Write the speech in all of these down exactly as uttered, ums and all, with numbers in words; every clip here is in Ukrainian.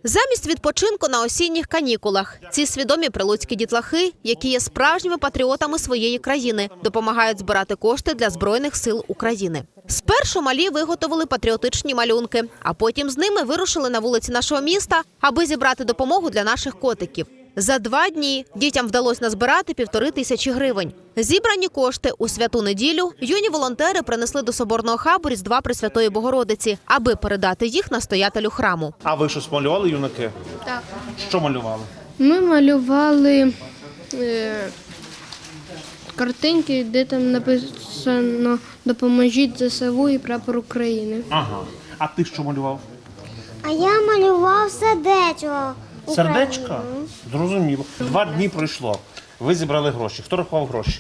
Замість відпочинку на осінніх канікулах ці свідомі прилуцькі дітлахи, які є справжніми патріотами своєї країни, допомагають збирати кошти для Збройних сил України. Спершу малі виготовили патріотичні малюнки, а потім з ними вирушили на вулиці нашого міста, аби зібрати допомогу для наших котиків. За два дні дітям вдалося назбирати півтори тисячі гривень. Зібрані кошти у святу неділю юні волонтери принесли до соборного хабу Різдва Пресвятої Богородиці, аби передати їх настоятелю храму. А ви щось малювали, юнаки? Так. Що малювали? Ми малювали е, картинки, де там написано «Допоможіть ЗСУ і прапор України». Ага. А ти що малював? А я малював сердечко. Сердечка? Зрозуміло. Два дні пройшло. Ви зібрали гроші. Хто рахував гроші?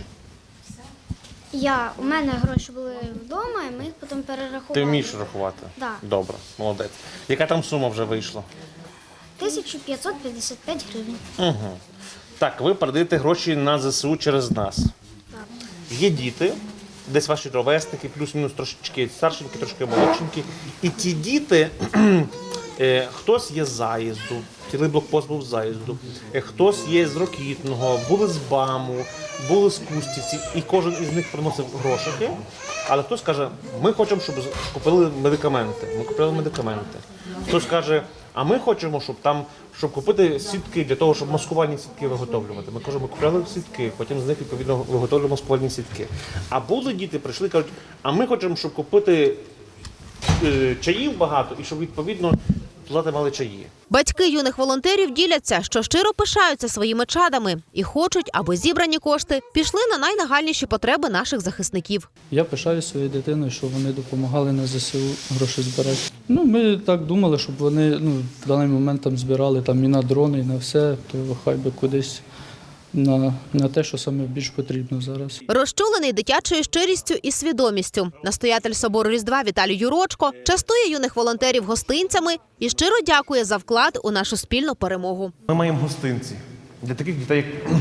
Я, у мене гроші були вдома, і ми їх потім перерахували. Ти вмієш рахувати? Так. Добре, молодець. Яка там сума вже вийшла? тисяча п'ятсот п'ятдесят п'ять гривень. Угу. Так, ви передаєте гроші на ЗСУ через нас. Так. Є діти, десь ваші ровесники, плюс-мінус трошечки старшенькі, трошки молодшенькі. І ті діти, е, хтось є з заїзду, цілий блокпост був з заїзду, е, хтось є з Рокітного, були з БАМу, були з Кустівці, і кожен із них приносив грошики, але хтось каже, ми хочемо, щоб купили медикаменти. Ми купили медикаменти. Хтось каже, а ми хочемо, щоб там, щоб купити сітки для того, щоб маскувальні сітки виготовлювати. Ми кажемо, ми купили сітки, потім з них відповідно виготовлюємо маскувальні сітки. А були діти, прийшли і кажуть, а ми хочемо, щоб купити е, чаїв багато і щоб відповідно плати мали чаї. Батьки юних волонтерів діляться, що щиро пишаються своїми чадами і хочуть, аби зібрані кошти пішли на найнагальніші потреби наших захисників. Я пишаю своєю дитиною, що вони допомагали на ЗСУ гроші збирати. Ну, ми так думали, щоб вони ну, в даний момент там збирали там, і на дрони, і на все, то хай би кудись на, на те, що саме більш потрібно зараз. Розчулений дитячою щирістю і свідомістю, настоятель собору Різдва Віталій Юрочко частує юних волонтерів гостинцями і щиро дякує за вклад у нашу спільну перемогу. Ми маємо гостинці для таких дітей, як,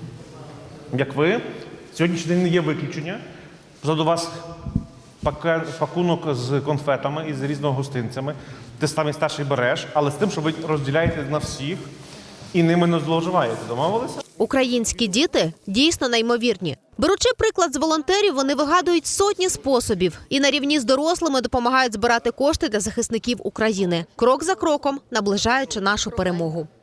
як ви. Сьогоднішній день не є виключення. Позаду вас паке- пакунок з конфетами і з різними гостинцями. Ти самий старший береш, але з тим, що ви розділяєте на всіх і ними не зловживаєте. Домовилися? Українські діти дійсно неймовірні. Беручи приклад з волонтерів, вони вигадують сотні способів і на рівні з дорослими допомагають збирати кошти для захисників України, крок за кроком наближаючи нашу перемогу.